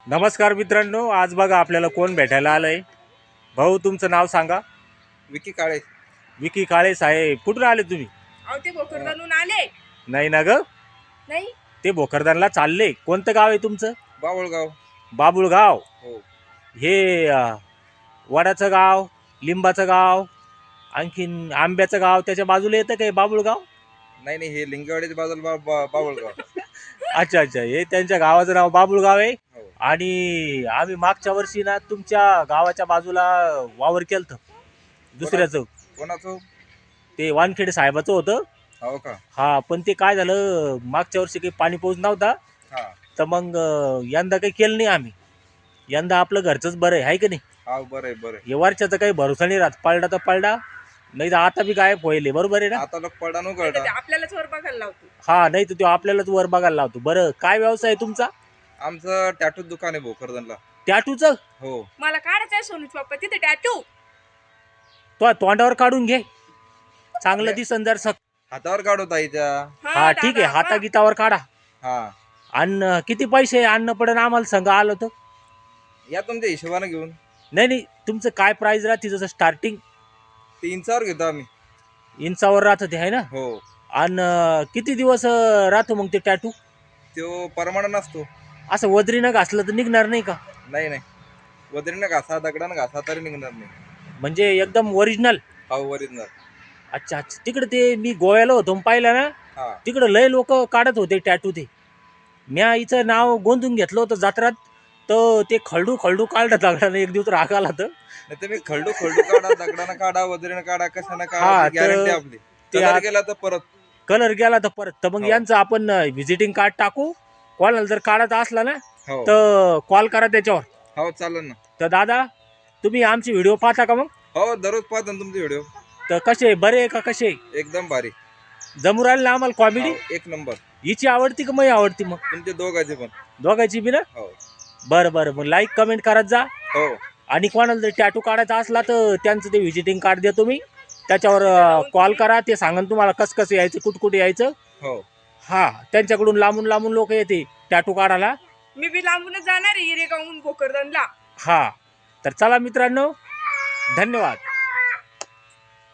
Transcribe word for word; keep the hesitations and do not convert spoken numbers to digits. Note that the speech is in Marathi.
नमस्कार मित्रांनो, आज बघा आपल्याला कोण भेटायला आलंय. भाऊ तुमचं नाव सांगा. विकी काळे. विकी काळे साहेब, कुठून आले तुम्ही? अहो ते भोकरदनून आले. नाही ना ग, नाही ते भोकरदनला चालले. कोणतं गाव आहे तुमचं? बावळगाव. बाबुळगाव. हो. हे अं, वडाचं गाव, लिंबाचं गाव, आणखीन आंब्याचं गाव त्याच्या बाजूला येतं काय बाबुळगाव? नाही नाही, हे लिंगवाडीच्या बाजूला बा- बा- बावळगाव. अच्छा अच्छा, हे त्यांच्या गावाचं नाव बाबुळगाव आहे. हो. आणि आम्ही मागच्या वर्षी ना तुमच्या गावाच्या बाजूला वावर केलं दुसऱ्याचं. कोणाचं? ते वानखेडे साहेबाचं होतं. हो का? हा, पण ते काय झालं, मागच्या वर्षी काही पाणी पाऊस नव्हता, हा तर मग अं, यंदा काही केलं नाही आम्ही. यंदा आपलं घरचंच बरं आहे, हाय की नाही? हा, बरं आहे बरं आहे. हे वरच्याचा काही भरोसा नाही राहत, पडला तर पडला, नाही तर आता बी गायब होईल. बरोबर आहे ना? आता लोक पडा नु नाही तर ते कळता. आपल्यालाच वर बघायला लावतो. हा, नाही तर तो आपल्यालाच वर बघायला लावतो. बरं, काय व्यवसाय आहे तुमचा? आमचं टॅटूच दुकान आहे भोकरदनला. टॅटूचं? हो. मला काढायचं आहे सोनूच पप्पा तिथे टॅटू. तो तोंडावर काढून घे, चांगलं दिसन जर सक. हातावर काढू ताईच्या. हा ठीक आहे, हातागीतावर काढा. हा, आणि किती पैसे अन्न पडन आम्हाला संघ आलं तर? या तुमच्या हिशोबाने घेऊन. नाही नाही, तुमचं काय प्राइस राहते जसं स्टार्टिंग? ते इंचावर घेतो आम्ही. इंचावर राहतं ते, आहे ना? हो. आणि किती दिवस अं, राहतो मग ते टॅटू? तो परमाणा नसतो. असं वदरीनं घासलं तर निघणार नाही का? नाही नाही, वदरीनं घासा दगडानं घासा तरी निघणार नाही. म्हणजे एकदम ओरिजिनल? हा, ओरिजिनल. अच्छा अच्छा, तिकडे ते मी गोव्याला होतो पाहिलं ना, हा तिकडं लय लोक काढत होते टॅटू. ते म्या हिचं नाव गोंधून घेतलं होतं जत्रात, तर ते खळडू खळडू काढलं दगडानं. एक दिवस राग आला तर नाही तुम्ही खळडू खळडू काढा, दगडानं काढा, वदरीनं काढा, कशानं हा, काढा, तर गॅरंटी आपली. ते कलर आ- गेला तर परत. कलर गेला तर परत. तर मग हो. यांचं आपण व्हिजिटिंग कार्ड टाकू. कोणाला जर काढायचा असला ना हो तर कॉल करा त्याच्यावर. हो, चालेल ना. तर दादा, तुम्ही आमची व्हिडिओ पाहता का मग? हो, दररोज पाहतो ना तुमचे व्हिडिओ. तर कसे, बरे आहे का? कसे एकदम भारी. जमू राहिले ना आम्हाला कॉमेडी? हो, एक नंबर. हिची आवडती का माझी आवडती? मग तुमचे दोघांचे पण. दोघांची बी ना? हो बरं बरं, मग लाईक कमेंट करत जा. हो आणि कोणाला जर टॅटू काढायचा असला तर त्यांचं ते व्हिजिटिंग कार्ड देतो मी, त्याच्यावर कॉल करा. ते सांगन तुम्हाला कसं कसं यायचं, कुठं कुठे यायचं. हो. हा, त्यांच्याकडून लांबून लांबून लोक येते टॅटू काढायला. मी बी लांबूनच जाणार आहे हिरेगावहून भोकरदनला. हा, तर चला मित्रांनो, धन्यवाद.